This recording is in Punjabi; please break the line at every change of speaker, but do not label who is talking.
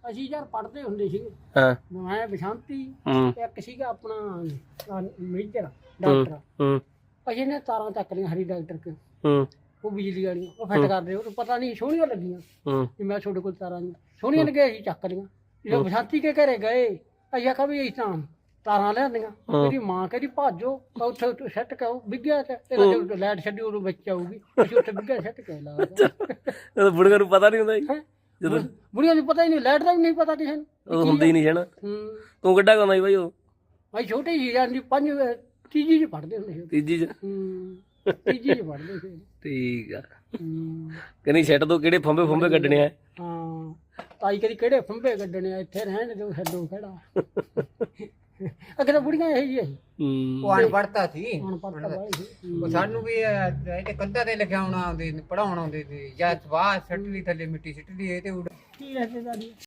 ਅਸੀਂ ਯਾਰ ਪੜ੍ਹਦੇ ਹੁੰਦੇ ਸੀਗੇ।
ਹਾਂ
ਮੈਂ ਬਸੰਤੀ ਇੱਕ ਸੀਗਾ ਆਪਣਾ ਮੇਜਰ
ਹੂੰ
ਡਾਕਟਰ। ਅਸੀਂ ਨੇ ਤਾਰਾਂ ਚੱਕ ਲਈਆਂ ਹਰੀ ਡਾਕਟਰ ਕੇ ਉਹ ਬਿਜਲੀ ਵਾਲੀਆਂ ਉਹ ਫਿੱਟ ਕਰਦੇ ਉਹਨੂੰ ਪਤਾ ਨਹੀਂ ਸੋਹਣੀਆਂ ਲੱਗੀਆਂ ਕਿ ਮੈਂ ਤੁਹਾਡੇ ਕੋਲ ਤਾਰਾਂ ਸੋਹਣੀਆਂ ਲੱਗੀਆਂ ਅਸੀਂ ਚੱਕ ਲਈਆਂ। ਜਦੋਂ ਬਸੰਤੀ ਕੇ ਘਰੇ ਗਏ ਅਸੀਂ ਆਖਿਆ ਵੀ ਅਸੀਂ ਤਾਂ ਤਾਰਾਂ ਲਿਆਂਦੀਆਂ। ਮੇਰੀ ਮਾਂ ਕਹਿੰਦੀ ਭਾਜੋ ਉੱਥੇ ਸੱਟ ਕੇ ਉਹ ਵਿਗਿਆ ਤੇ ਲਾਈਟ ਛੱਡੀ ਉਹਨੂੰ ਵਿੱਚ ਆਊਗੀ। ਅਸੀਂ ਉੱਥੇ ਵਿਗਿਆ ਸੱਟ ਕੇ ਲਾ
ਬੁੜੀਆਂ ਨੂੰ ਪਤਾ ਨਹੀਂ ਹੁੰਦਾ ਜੀ ਜਦੋਂ
ਬੁੜੀਆਂ ਨੂੰ ਪਤਾ ਹੀ ਨਹੀਂ ਲਾਈਟ ਦਾ ਵੀ ਨਹੀਂ ਪਤਾ ਕਿਸੇ ਨੂੰ
ਉਹ ਹੁੰਦੀ ਹੀ ਨਹੀਂ ਸੀ ਨਾ। ਤੂੰ ਕਿੱਡਾ ਗਾਉਂਦਾ ਸੀ ਬਾਈ ਉਹ?
ਅਸੀਂ ਛੋਟੇ ਸੀ ਜਾਂਦੀ ਤੀਜੀ ਚ ਪੜ੍ਹਦੇ ਹੁੰਦੇ ਸੀ।
ਤੀਜੀ ਚ
ਤੀਜੀ ਚ ਪੜ੍ਹਦੇ ਸੀ।
ਠੀਕ ਆ ਕਹਿੰਦੀ ਸੈੱਟ ਤੋਂ ਕਿਹੜੇ ਫੰਬੇ ਕੱਢਣੇ ਆ?
ਹਾਂ ਤਾਈ ਕਦੀ ਕਿਹੜੇ ਫੰਬੇ ਕੱਢਣੇ ਆ ਇੱਥੇ ਰਹਿਣ ਦਿਓ ਛੱਡੋ ਖੜਾ। ਅੱਗੇ ਤਾਂ ਬੁੜੀਆਂ ਇਹੀ ਜਿਹੀ
ਉਹ ਅਨਪੜ੍ਹਤਾ ਸੀ
ਅਨਪੜ੍ਹਤਾ ਵਾਲੀ ਸੀ।
ਉਹ ਸਾਨੂੰ ਵੀ ਇਹ ਕੰਧਾਂ ਤੇ ਲਿਖਾਉਣਾ ਆਉਂਦੇ ਪੜਾਉਣ ਆਉਂਦੇ ਸੀ ਜਾਂ ਸਵਾਹ ਸੱਟ ਲਈ ਥੱਲੇ ਮਿੱਟੀ ਸਿੱਟ ਲਈ ਇਹ ਤੇ
ਕੀ ਰਿਸ਼ਤੇਦਾਰੀ